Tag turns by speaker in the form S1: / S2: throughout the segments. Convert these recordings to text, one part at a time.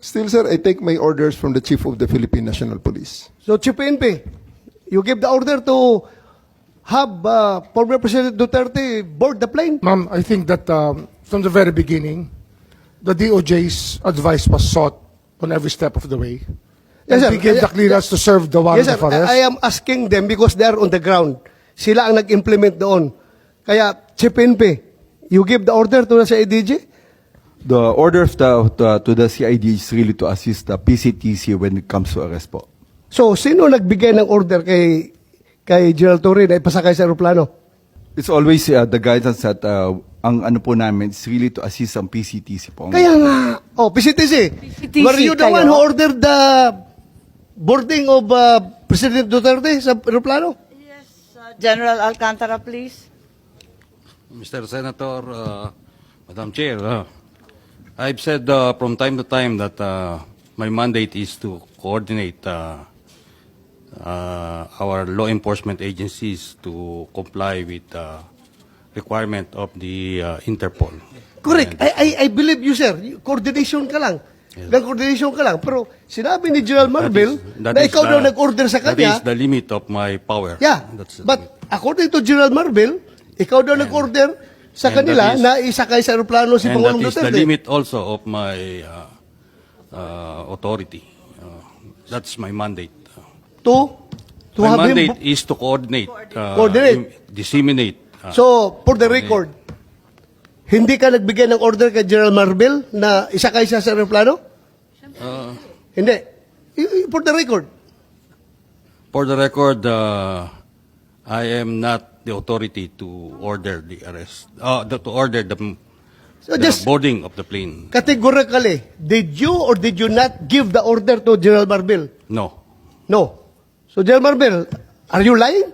S1: Still, sir, I take my orders from the Chief of the Philippine National Police.
S2: So, Chief PNP, you give the order to have former President Duterte board the plane?
S3: Ma'am, I think that from the very beginning, the DOJ's advice was sought on every step of the way.
S2: Yes,
S3: And
S2: sir.
S3: we gave the clearance to serve the warrant
S2: Yes, sir.
S3: of arrest.
S2: I am asking them because they are on the ground. Sila ang nag-implement doon. Kaya, Chief PNP, you give the order to sa IDG?
S4: The order of to the CID is really to assist the PCTC when it comes to arrest po.
S2: So, sino nagbigay ng order kay General Torre na ipasakay sa aeroplano?
S4: It's always the guidance that ang ano po namin is really to assist ang PCTC po.
S2: Kaya nga, PCTC.
S5: PCTC
S2: Were you the
S5: kayo?
S2: one who ordered the boarding of President Duterte sa aeroplano?
S5: Yes, General Alcantara, please.
S6: Mr. Senator, Madam Chair, I've said from time to time that my mandate is to coordinate our law enforcement agencies to comply with the requirement of the Interpol.
S2: Correct.
S6: And
S2: I believe you, sir. Coordination ka lang. Coordination ka lang. Pero sinabi ni General Marvel na ikaw daw nag-order sa
S6: That
S2: kanya.
S6: is the limit of my power.
S2: Yeah. But according to General Marvel, ikaw daw nag-order sa
S6: and
S2: kanila
S6: that is-
S2: na isakay sa aeroplano si
S6: And that
S2: Pangulong
S6: is the
S2: Duterte.
S6: limit also of my authority. That's my mandate.
S2: To
S6: My
S2: have him.
S6: mandate is to coordinate,
S2: Coordinate.
S6: disseminate.
S2: So, for the record, hindi ka nagbigay ng order kay General Marvel na isakay siya sa aeroplano? Hindi. For the record.
S6: For the record, I am not the authority to order the arrest, to order the
S2: So just
S6: boarding of the plane.
S2: categorically, did you or did you not give the order to General Marvel?
S6: No.
S2: No. So, General Marvel, are you lying?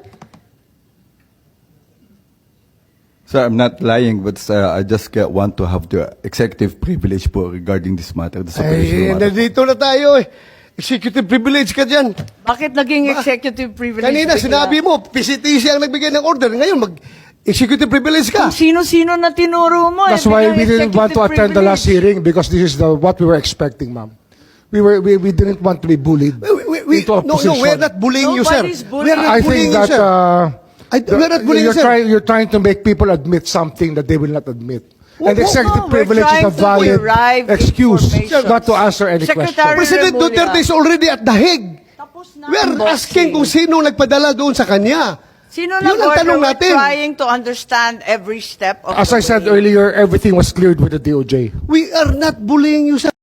S4: Sir, I'm not lying, but I just want to have the executive privilege po regarding this matter, this
S2: Ay,
S4: operational matter.
S2: nandito na tayo eh. Executive privilege ka dyan.
S5: Bakit naging executive privilege?
S2: Kanina,
S5: bigla?
S2: sinabi mo, PCTC ang nagbigay ng order. Ngayon, mag-executive privilege ka.
S5: Kung sino-sino na tinuro mo.
S3: That's
S5: eh,
S3: why
S5: biglang
S3: we didn't want to
S5: executive
S3: attend the last
S5: privilege.
S3: hearing because this is what we were expecting, ma'am. We didn't want to be bullied into a
S2: No,
S3: position.
S2: we're not bullying you, sir.
S5: Nobody's
S2: We're not
S3: I
S2: bullying
S3: think
S2: you,
S3: that
S2: sir. We're not bullying you, sir.
S3: you're trying to make people admit something that they will not admit. And executive
S5: no, we're
S3: privilege is a
S5: trying to
S3: valid
S5: derive
S3: excuse
S5: information.
S3: not to answer any
S5: Secretary
S3: question.
S2: President
S5: Remulla.
S2: Duterte is already at The Hague.
S5: Tapos na
S2: We are
S5: ang boxing.
S2: asking kung sino nagpadala doon sa kanya.
S5: Sino
S2: Yun ang
S5: nag-order?
S2: tanong
S5: We're
S2: natin.
S5: trying to understand every step of
S3: As
S5: the
S3: I said
S5: way.
S3: earlier, everything was cleared with the DOJ.
S2: We are not bullying you, sir.